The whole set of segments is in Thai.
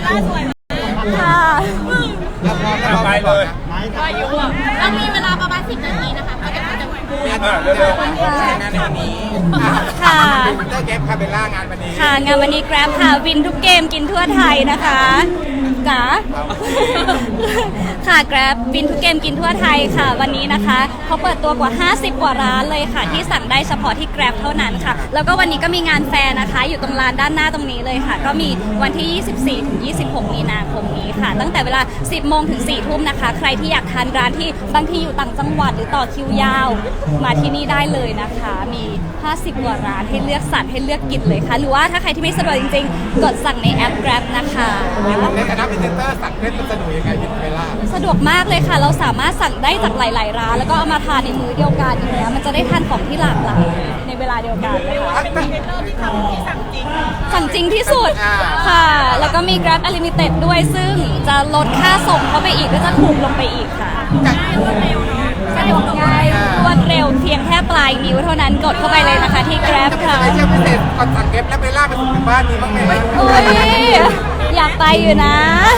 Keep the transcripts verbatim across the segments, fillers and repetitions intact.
ล่าสวยค่ะเอาไปเลยก็อายุอ่ะเรามีเวลาประมาณสิบนาทีนะคะก็จะจะพูดเร็วๆค่ะงานในวันนี้ค่ะได้แก๊ปคาเบลล่างานวันนี้ค่ะงานวันนี้ Grab ค่ะวินทุกเกมกินทั่วไทยนะคะจ๋าค่ะ Grab วินทุกเกมกินทั่วไทยค่ะวันนี้นะคะเขาเปิดตัวกว่าห้าสิบกว่าร้านเลยค่ะที่สั่งได้เฉพาะที่ Grab เท่านั้นค่ะแล้วก็วันนี้ก็มีงานแฟร์นะคะอยู่ตรงลานด้านหน้าตรงนี้เลยค่ะก็มีวันที่ยี่สิบสี่ถึงยี่สิบหกมีนาคมนี้ค่ะตั้งแต่เวลาสิบโมงถึงสี่ทุ่มนะคะใครที่อยากทานร้านที่บางที่อยู่ต่างจังหวัดหรือต่อคิวยาวมาที่นี่ได้เลยนะคะมีห้าสิบกว่าร้านให้เลือกสรรให้เลือกกินเลยค่ะหรือว่าถ้าใครที่ไม่สะดวกจริงๆกดสั่งในแอป Grab นะคะในฐานะพรีเซนเตอร์สั่งเล่นมันสนุกยังไงพี่คาเบลล่าสะดวกมากเลยค่ะเราสามารถสั่งได้จากหลายๆร้านแล้วก็เอามาทานในมื้อเดียวกันอย่างเงี้ยมันจะได้ทานของที่หลากหลายในเวลาเดียวกันนะคะเป็นพรีเซนเตอร์ที่ทำที่สั่งจริงสั่งจริงที่สุดค่ะแล้วก็มี Grab Unlimited ด้วยซึ่งจะลดค่าส่งเข้าไปอีกก็จะถูกลงไปอีกค่ะง่ายรวดเร็วเนาะสะดวกง่ายรวดเร็วเพียงแค่ปลายนิ้วเท่านั้นกดเข้าไปเลยนะคะที่ Grab ค่ะไม่เชื่อพิเศษก่อนสั่งเก็บแล้วไปล่าไปส่งถึงบ้านมีบ้างไหมโอ้ยอยากไปอยู่นะ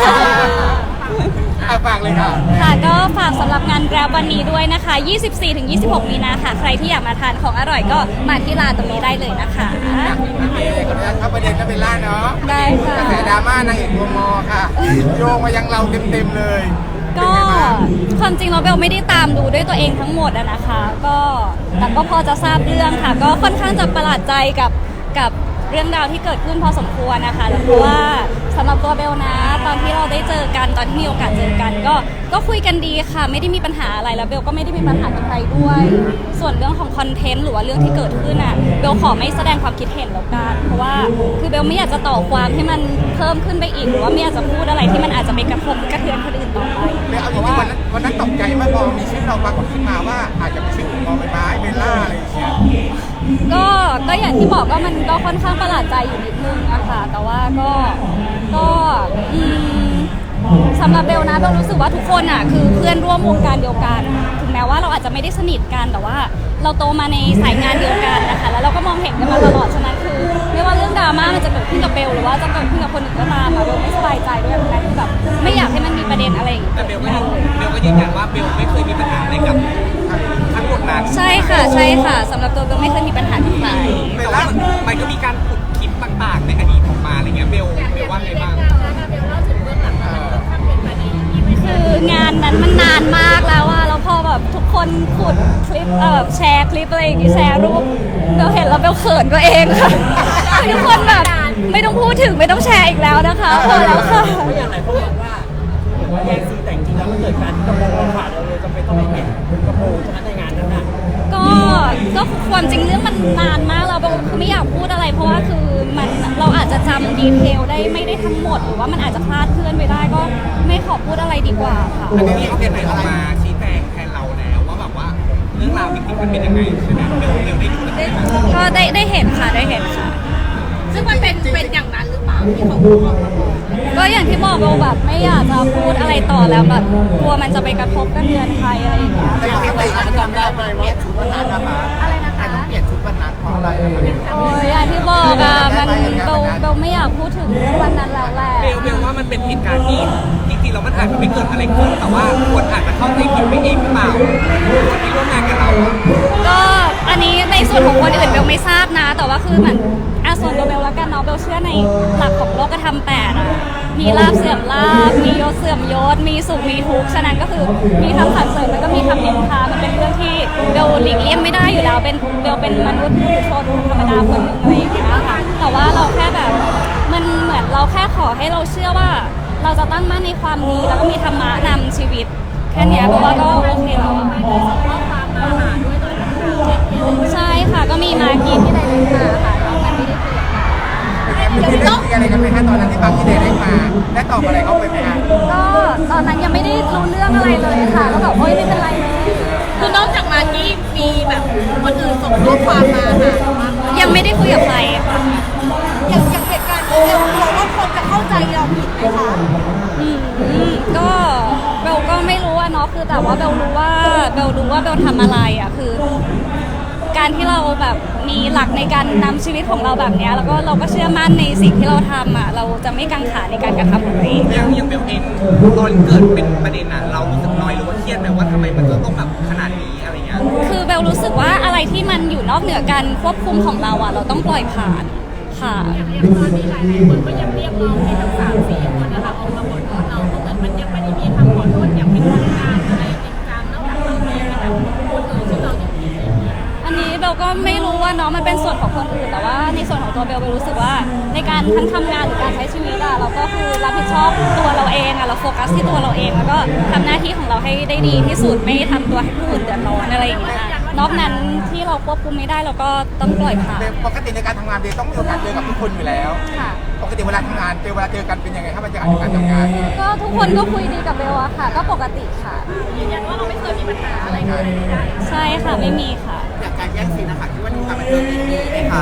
อ่ะฝากเลยค่ะค่ะก็ฝากสำหรับงาน Grab วันนี้ด้วยนะคะ ยี่สิบสี่ถึงยี่สิบหก มีนาค่ะ ใครที่อยากมาทานของอร่อยก็มาที่ร้านตรงนี้ได้เลยนะคะโอเคขออนุญาตเข้าประเด็นคาเบลล่าเนาะได้ค่ะกระแสดราม่านางเอกตัวมอค่ะโยงมายังเราเต็มๆเลยก็ความจริงเราเบลไม่ได้ตามดูด้วยตัวเองทั้งหมดอะนะคะ ก็แต่ก็พอจะทราบเรื่องค่ะ ก็ค่อนข้างจะประหลาดใจกับกับเรื่องราวที่เกิดขึ้นพอสมควรนะคะเพราะว่าสำหรับตัวเบลนะตอนที่เราได้เจอกันตอนที่มีโอกาสเจอกัน ก็ก็คุยกันดีค่ะไม่ได้มีปัญหาอะไรแล้วเบลก็ไม่ได้มีปัญหากับใครด้วย ส่วนเรื่องของคอนเทนต์หรือว่าเรื่องที่เกิดขึ้นอ่ะเบลขอไม่แสดงความคิดเห็นแล้วกันเพราะว่าคือเบลไม่อยากจะต่อความให้มันเพิ่มขึ้นไปอีกหรือว่าไม่อยากจะพูดอะไรที่มันอาจจะไปกระทบกระเทือนคนอื่นต่อไปเบลเอาจริงๆวันนั้นวันนั้นตกใจมากพอมีชื่อเราปรากฏขึ้นมาว่าอาจจะเป็นชื่อของมอใบไม้เบลล่าอะไรอย่างเงี้ยก็ก็อย่างที่บอกก็มันก็ค่อนข้างประหลาดใจอยู่นิดนึงอะค่ะแต่ว่าก็ก็อืมสำหรับเบลนะเบลรู้สึกว่าทุกคนอะคือเพื่อนร่วมวงการเดียวกันถึงแม้ว่าเราอาจจะไม่ได้สนิทกันแต่ว่าเราโตมาในสายงานเดียวกันนะคะแล้วเราก็มองเห็นกันมาตลอดฉะนั้นคือไม่ว่าเรื่องดราม่ามันจะเกิดขึ้นกับเบลหรือว่าจะเกิดขึ้นกับคนอื่นก็ตามอะเบลไม่สบายใจด้วยนะคือแบบไม่อยากให้มันมีประเด็นอะไรอย่างเงี้ยแต่เบลก็ยืนเบลก็ยืนยันว่าเบลไม่เคยมีปัญหาอะไรกับทั้งหมดนั้นใช่ค่ะใช่ค่ะสำหรับตัวเบลไม่เคยมีปัญหากับใครแต่ว่ามันก็มีการขุดคลิปต่างๆในอดีตออกมาอะไรเงี้ยเบลเบลว่าไงบ้างเบลเล่าถึงเบื้องหลังมันค่อนข้างเป็นคดีที่ไม่คืองานนั้นมันนานมากแล้วอะแล้วพอแบบทุกคนขุดคลิปเอ่อแชร์คลิปอะไรอย่างงี้แชร์รูปเบลเห็นแล้วเบลเขินตัวเองค่ะทุกคนแบบไม่ต้องพูดถึงไม่ต้องแชร์อีกแล้วนะคะพอแล้วค่ะก็อย่างไรเขาบอกว่าแยกซีแต่จริงๆแล้วมันเกิดการกระโปรงขาดเราเลยจำเป็นต้องไปเปลี่ยนกระโปรงใช่ไหมในงานนั้นน่ะก็ก็ความจริงเรื่องมันนานมากแล้วเบลไม่อยากพูดอะไร เพราะว่าคือมันเราอาจจะจำดีเทลได้ไม่ได้ทั้งหมดหรือว่ามันอาจจะคลาดเคลื่อนไปได้ก็ไม่ขอพูดอะไรดีกว่าค่ะอันนี้เขาเป็นไหนออกมาชี้แจงแทนเราแล้วว่าแบบว่าเรื่องราวจริงๆมันเป็นยังไงใช่ไหมเบลเบลได้ดูใช่ไหมก็ได้ได้เห็นค่ะได้เห็นค่ะซึ่งมันเป็นเป็นอย่างนั้นหรือเปล่าที่เขาพูดออกมาบอกก็อย่างที่บอกเราแบบไม่อยากจะพูดอะไรต่อแล้วแบบกลัวมันจะไปกระทบกระเทือนใครอะไรอย่างเงี้ยแต่ยังไม่ได้จำได้ไหมว่าชุดวันนั้นนะคะอะไรนะคะต้องเปลี่ยนชุดวันนั้นเพราะอะไรโอ้ยอย่างที่บอกอะมันเบลเบลไม่อยากพูดถึงเรื่องวันนั้นแล้วแหละเบลเบลว่ามันเป็นเหตุการณ์ที่จริงๆแล้วมันอาจจะไม่เกิดอะไรขึ้นแต่ว่าคนอาจจะเข้าใจผิดไปเองหรือเปล่าคนที่ร่วมงานกับเราอะก็อันนี้ในส่วนของคนอื่นเบลไม่ทราบนะ แต่ว่าคือเหมือนอาส่วนตัวเบลแล้วกันเนาะเบลเชื่อในหลักของโลกธรรมแปดอะมีลาภเสื่อมลาภมียศเสื่อมยศมีสุขมีทุกข์ฉะนั้นก็คือมีทั้งสรรเสริญแล้วก็มีทั้งนินทามันเป็นเรื่องที่เบลหลีกเลี่ยงไม่ได้อยู่แล้วเป็นเบลเป็นมนุษย์ผู้ชนธรรมดาคนหนึ่งอะไรอย่างเงี้ยค่ะแต่ว่าเราแค่แบบมันเหมือนเราแค่ขอให้เราเชื่อว่า เราจะตั้งมั่นในความดีแล้วก็มีธรรมะนำชีวิตแค่เนี้ยเพราะว่าก็โอเคแล้วอะใช่ค่ะก็มีมากินที่ไดเรกมาค่ะน้องมันไม่ได้คุยกับใครมีเรื่องคุยอะไรกันไหมคะตอนนั้นที่บางที่เดย์ได้มาได้ตอบอะไรเขาไปไหมคะก็ตอนนั้นยังไม่ได้รู้เรื่องอะไรเลยค่ะก็แบบโอ๊ยไม่เป็นไรนะคือนอกจากมากกี้มีแบบคนอื่นส่งข้อความมาหาเราบ้างไหมยังไม่ได้คุยกับใครค่ะอย่างอย่างเหตุการณ์นี้เรากลัวว่าคนจะเข้าใจเราผิดไหมคะอืมก็เบลก็ไม่รู้อะเนาะคือแต่ว่าเบลรู้ว่าเบลรู้ว่าเบลทำอะไรอะคือการที่เราแบบมีหลักในการนำชีวิตของเราแบบเนี้ยแล้วก็เราก็เชื่อมั่นในสิ่งที่เราทำอ่ะเราจะไม่กังขาในการกระทำของตัวเองอย่างอย่างเบลเองตอนเกิดเป็นประเด็นอะเรารู้สึกน้อยหรือว่าเครียดไหมว่าทำไมมันจะต้องแบบขนาดนี้อะไรเงี้ยคือเบลรู้สึกว่าอะไรที่มันอยู่นอกเหนือการควบคุมของเราอ่ะเราต้องปล่อยผ่านค่ะอย่างตอนนี้หลายๆคนก็ยังเรียกร้องให้ทั้งสามสี่คนนะคะออกมาขอโทษเราก็เหมือนมันยังไม่ได้มีคำขอโทษอย่างเป็นทางการอะไรจริงจังนอกจากเราเองแบบคนอื่นที่เราอย่างนี้อันนี้เบลก็ไม่รู้ว่าเนาะมันเป็นส่วนของคนอื่นแต่ว่าในส่วนของตัวเบลเบลรู้สึกว่าในการทั้งทำงานหรือการใช้ชีวิตอะเราก็คือรับผิดชอบตัวเราเองอะเราโฟกัสที่ตัวเราเองแล้วก็ทำหน้าที่ของเราให้ได้ดีที่สุดไม่ทำตัวให้ผู้อื่นเดือดร้อนอะไรอย่างเงี้ยนอกนั้นที่เราควบคุมไม่ได้เราก็ต้องปล่อยผ่านปกติในการทำงานเบลต้องมีโอกาสเจอกับทุกคนอยู่แล้วค่ะปกติเวลาทำงานเจอเวลาเจอกันเป็นยังไงครับบรรยากาศในการทำงานก็ทุกคนก็คุยดีกับเบลอะค่ะ ก็ปกติค่ะยืนยันว่าเราไม่เคยมีปัญหาอะไรกันเลยได้ใช่ค่ะไม่มีค่ะอย่างการแย่งซีนนะคะคิดว่าทุกการบันเทิงมีไหมคะ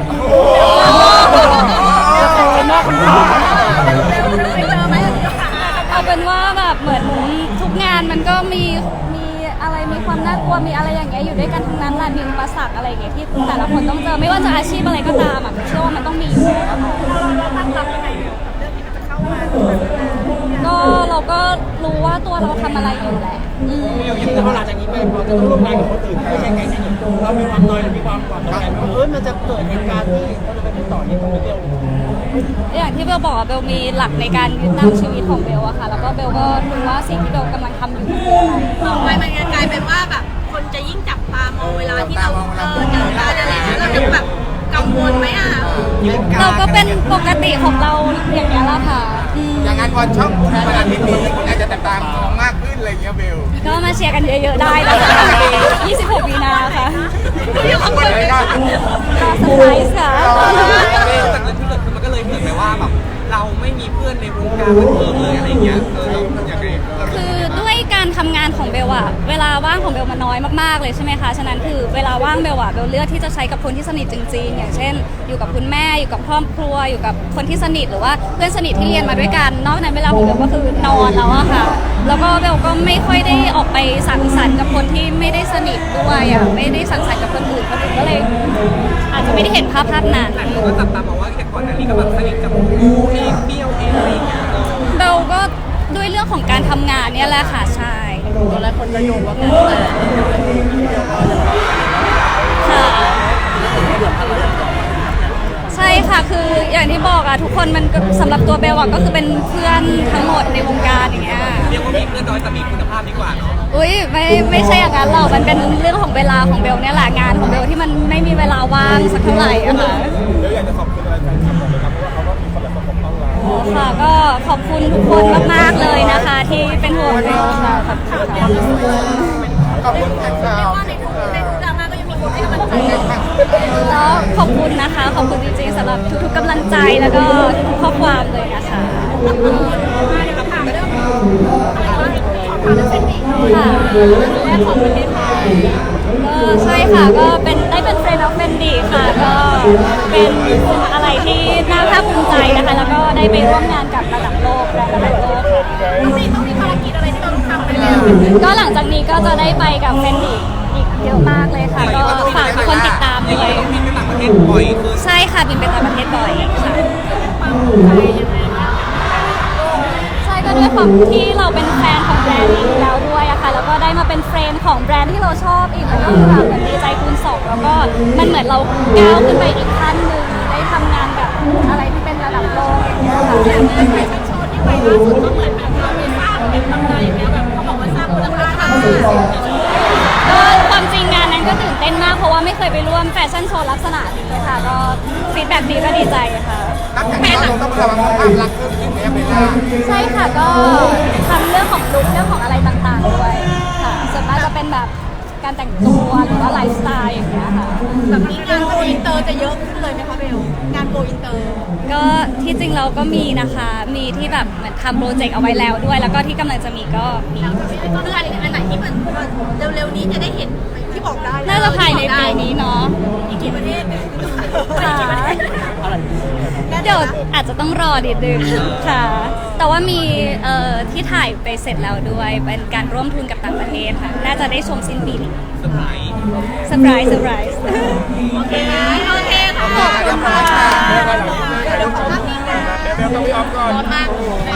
น่าคุณพ่อไปเจอไหมเอาเป็นว่าแบบเหมือนทุกงานมันก็มีมีอะไรมีความน่ากลัวมีอะไรอย่างเงี้ยอยู่ด้วยกันทั้งนั้นแหละมีอุปสรรคอะไรอย่างเงี้ยที่แต่ละคนต้องเจอไม่ว่าจะอาชีพอะไรก็ตามอ่ะเชื่อว่ามันต้องมีอยู่แล้วอะค่ะเราตั้งรับยังไงกับเรื่องที่มันจะเข้ามาก็เราก็รู้ว่าตัวเราทำอะไรอยู่แหละอืมแต่พอหลังจากนี้ไปพอจะต้องร่วมงานกับคนอื่นที่ไม่ใช่แก๊งนี้เรามีความน้อยหรือมีความหวั่นใจว่าเออมันจะเกิดเหตุการณ์ที่เราจะไปติดต่อเนี่ยตรงนี้เร็วอย่างที่เบลบอกอะเบลมีหลักในการยึดนำชีวิตของเบลอะค่ะ แล้วก็เบลก็รู้ว่าสิ่งที่เบลกำลังทำอยู่คืออะไรต่อไปมันจะกลายเป็นว่าแบบคนจะยิ่งจับตามองเวลาที่เราเออเจอการอะไรอย่างเงี้ยเราจะแบบกังวลไหมอ่ะเราก็เป็นปกติของเราอย่างนี้ยแหละค่ะอืมอย่างงานวันช่องวันอาทิตย์นี้คุณอาจจะติดตามมองมากขึ้นอะไรอย่างเงี้ยเบลก็มาเชียร์กันเยอะๆได้นะคะยี่สิบหกมีนาค่ะคนเลยนะรอเซอร์ไพรส์ค่ะแต่เรื่องที่เกิดขึ้นมันก็เลยเหมือนแบบว่าแบบเราไม่มีเพื่อนในวงการบันเทิงเลยอะไรเงี้ยเออเราอย่างไรเราคือด้วยการทำงานของเบลอะเวลาว่างของเบลมันน้อยมากๆเลยใช่ไหมคะ ฉะนั้นคือเวลาว่างเบลอะเบลเลือกที่จะใช้กับคนที่สนิทจริงๆ อย่างเช่น อยู่กับคุณแม่อยู่กับครอบครัวอยู่กับคนที่สนิทหรือว่าเพื่อนสนิทที่เรียนมาด้วยกันนอกนั้นเวลาของเบลก็คือนอนแล้วอะค่ะ แล้วก็เบลก็ไม่ค่อยได้ออกไปสังสรรค์กับคนที่ไม่ได้สนิทด้วยอะไม่ได้สังสรรค์กับคนอื่นคนอื่นก็เลย อาจจะไม่ได้เห็นภาพภาพนั้นหลายคนก็จับตามองว่าแต่ก่อนหน้านี้ก็แบบสนิทกับบูเองเบี้ยวเองอะไรเงี้ยเออเบลก็ด้วยเรื่องของการทำงานเนี่ยแหละค่ะใช่ตอนแรกคนก็โยงว่าแต่ค่ะใช่ค่ะคืออย่างที่บอกอะทุกคนมันก็สำหรับตัวเบลอะก็คือเป็นเพื่อนทั้งหมดในวงการอย่างเงี้ยเรียกว่ามีเพื่อนน้อยแต่มีคุณภาพดีกว่าเนาะอุ้ยไม่ไม่ใช่อย่างนั้นหรอกมันเป็นเรื่องของเวลาของเบลเนี่ยแหละงานของเบลที่มันไม่มีเวลาว่างสักเท่าไหร่อะค่ะแล้วอยากจะขอบคุณอะไรแฟนคลับผมไหมครับเพราะว่าเขาก็มีคนแบบปกป้องเราอ๋อค่ะก็ขอบคุณทุกคนมากๆเลยนะคะ ที่เป็นห่วงเบลค่ะขอบคุณค่ะขอบคุณแฟนคลับว่าในทุกในทุกดราม่าก็ยังมีคนให้กำลังใจกันแล้วขอบคุณนะคะ ขอบคุณจริงๆสำหรับทุกๆกำลังใจแล้วก็ทุกๆข้อความเลยนะคะมาเดี๋ยวเราถามเรื่องอะไรว่าขอถามเรื่องเส้นหมี่ค่ะแรกของประเทศไทยก็ใช่ค่ะก็เป็นได้เป็นเฟรนด์ออฟเฟนดีค่ะก็เป็นอะไรที่น่าภาคภูมิใจนะคะ แล้วก็ได้ไปร่วมงานกับระดับโลกและระดับโลกค่ะต้องมีต้องมีภารกิจอะไรที่เราต้องทำไปแล้วก็หลังจากนี้ก็จะได้ไปกับเฟนดีอีกเยอะมากเลยค่ะ ก็ฝากทุกคนติดตามอย่างด้วยนี้ต้องบินไปต่างประเทศบ่อยคือใช่ค่ะบินไปต่างประเทศบ่อยค่ะความภูมิใจยังไงบ้างใช่ก็ด้วยความที่เราเป็นแฟนของแบรนด์นี้อยู่แล้วด้วยอะค่ะแล้วก็ได้มาเป็นเฟรนด์ของแบรนด์ที่เราชอบอีกมันก็คือแบบเหมือนดีใจคูณสองแล้วก็มันเหมือนเราก้าวขึ้นไปอีกขั้นหนึ่งได้ทำงานแบบอะไรที่เป็นระดับโลกอย่างเงี้ยค่ะอย่างเรื่องแฟชั่นโชว์ที่ไปล่าสุดก็เหมือนแบบเราไปสร้างเป็นตำนานอย่างเงี้ยแบบเขาบอกว่าสร้างมูลค่าทางเศรษฐกิจก็ความจริงงานนั้นก็ตื่นเต้นมากเพราะว่าไม่เคยไปร่วมแฟชั่นโชว์ลักษณะนี้เลยค่ะก็ฟีดแบ็กดีก็ดีใจค่ะนับจากนี้เราต้องระวังภาพลักษณ์เพิ่มขึ้นไหมครับเบลล่าใช่ค่ะก็ทำเรื่องของลุคเรื่องของอะไรต่างๆด้วยค่ะส่วนมากจะเป็นแบบการแต่งตัวหรือว่าไลฟ์สไตล์อย่างเงี้ยค่ะแบบนี้งานโกอินเตอร์จะเยอะขึ้นเลยไหมคะเบลงานโกอินเตอร์ก็ที่จริงเราก็มีนะคะ มีที่แบบเหมือนทำโปรเจกต์เอาไว้แล้วด้วย แล้วก็ที่กำลังจะมีก็มีแล้วจะมีเรื่องอันไหนที่มันเร็วๆนี้จะได้เห็นที่บอกได้น่าจะภายในปีนี้เนาะอีกกี่ประเทศเนี่ยค่ะอะไรเดี๋ยวอาจจะต้องรอนิดนึงค่ะ แต่แต่ว่ามีเอ่อที่ถ่ายไปเสร็จแล้วด้วยเป็นการร่วมทุนกับต่างประเทศค่ะน่าจะได้ชมสิ้นปีนี้เซอร์ไพรส์เซอร์ไพรส์เซอร์ไพรส์โอเคโอเคค่ะขอบคุณค่ะเดี๋ยวขอภาพนิ่งนะเดี๋ยวต้องไปออฟก่อนร้อนมาก